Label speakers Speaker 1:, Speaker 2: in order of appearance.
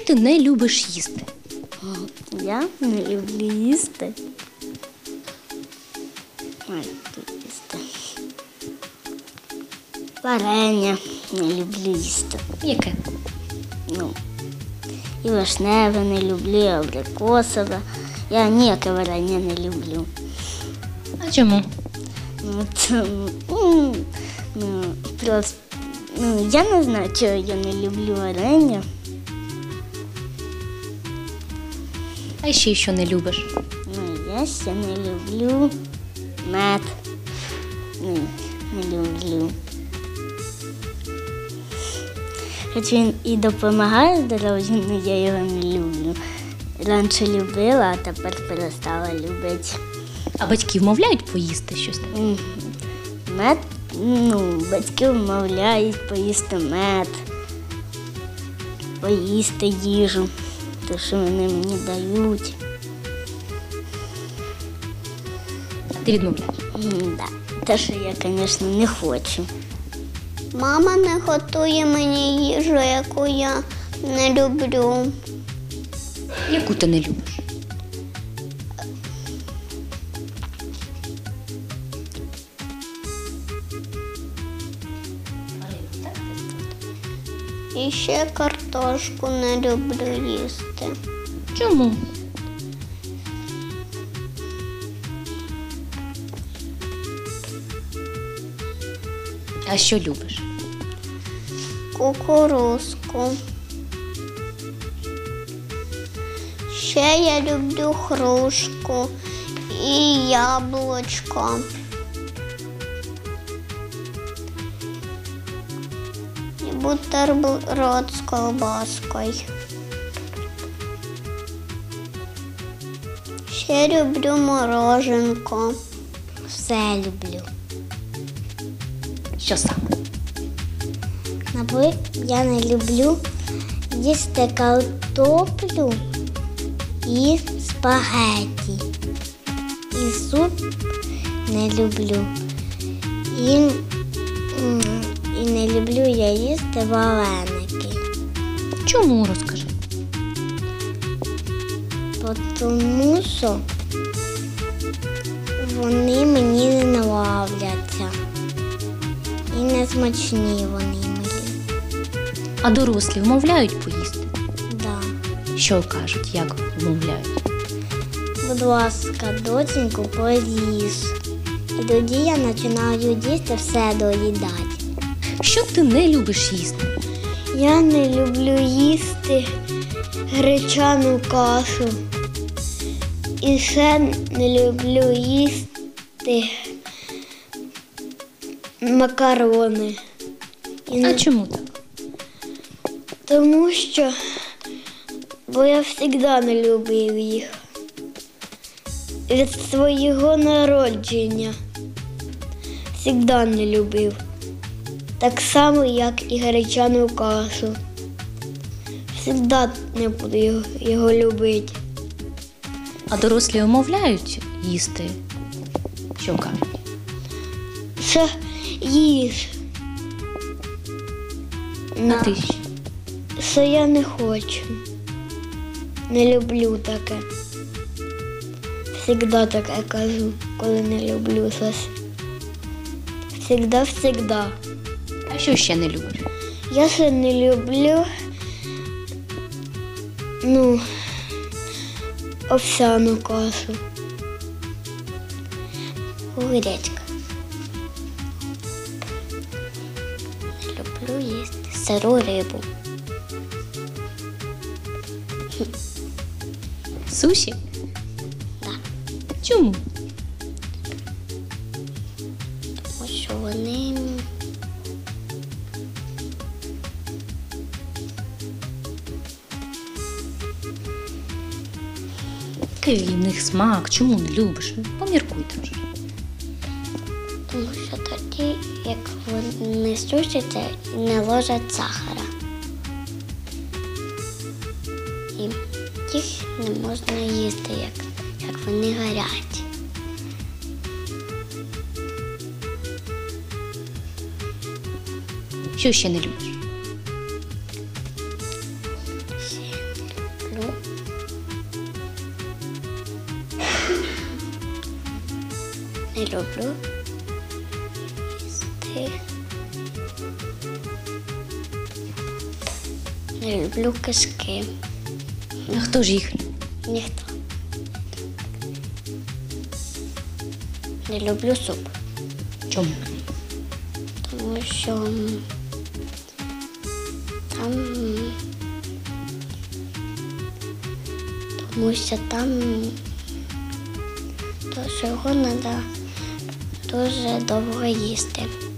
Speaker 1: ти не любиш їсти?
Speaker 2: Я не люблю їсти. Ой, тут їсти. Варення не люблю їсти.
Speaker 1: Яке?
Speaker 2: І вишневе не люблю, і абрикосове. Я ніяке варення не люблю.
Speaker 1: А чому?
Speaker 2: Я не знаю, чого я не люблю варення.
Speaker 1: А ще що не любиш?
Speaker 2: Я ще не люблю мед. Не люблю. Хоч він і допомагає здоров'ю, але я його не люблю. Раніше любила, а тепер перестала любити.
Speaker 1: А батьки вмовляють поїсти щось?
Speaker 2: Мед, батьки вмовляють поїсти мед, поїсти їжу, те, що вони мені дають.
Speaker 1: А ти відмовляєш?
Speaker 2: Те, що я, звісно, не хочу.
Speaker 3: Мама не готує мені їжу, яку я не люблю.
Speaker 1: Яку ти не любиш?
Speaker 3: І ще картошку не люблю їсти.
Speaker 1: Чому? А що любиш?
Speaker 3: Кукурузку. Ще я люблю грушку і яблучко. І бутерброд з ковбаскою. Ще люблю мороженко.
Speaker 2: Все люблю.
Speaker 1: Що саме?
Speaker 2: Я не люблю їсти картоплю і спагетті. І суп не люблю. І не люблю я їсти вареники.
Speaker 1: Чому, розкажи?
Speaker 2: Тому що вони мені не нравляться. І не смачні вони мені.
Speaker 1: А дорослі вмовляють поїсти?
Speaker 2: Да.
Speaker 1: Що кажуть, як вмовляють?
Speaker 2: Будь ласка, доченьку, поїж. І тоді я починаю їсти, все доїдати.
Speaker 1: Що ти не любиш їсти?
Speaker 2: Я не люблю їсти гречану кашу. І ще не люблю їсти макарони.
Speaker 1: А чому так?
Speaker 2: Тому що бо я завжди не любив їх. Від свого народження завжди не любив. Так само, як і гречану кашу. Завжди не буду його любити.
Speaker 1: А дорослі вмовляють їсти? Що кажуть?
Speaker 2: Що їж.
Speaker 1: А ти що?
Speaker 2: Що я не хочу. Не люблю таке. Всегда таке кажу, коли не люблю щось. Всегда.
Speaker 1: А що ще не любиш?
Speaker 2: Я ще не люблю, овсяну кашу. Гречка. Не люблю їсти сиру рибу.
Speaker 1: Суші?
Speaker 2: Так.
Speaker 1: Чому?
Speaker 2: Тому що вони
Speaker 1: Який в них смак? Чому не любиш? Поміркуй трошки.
Speaker 2: Тому що тоді, як вони сушаться, не ложать сахара. І їх не можна їсти, як вони гарять.
Speaker 1: Що ще не любиш?
Speaker 2: Ще
Speaker 3: Не люблю їсти. Не люблю кишки.
Speaker 1: А хто ж їх?
Speaker 3: Ніхто. Не люблю суп,
Speaker 1: Чому?
Speaker 3: тому що там то, що його треба дуже довго їсти.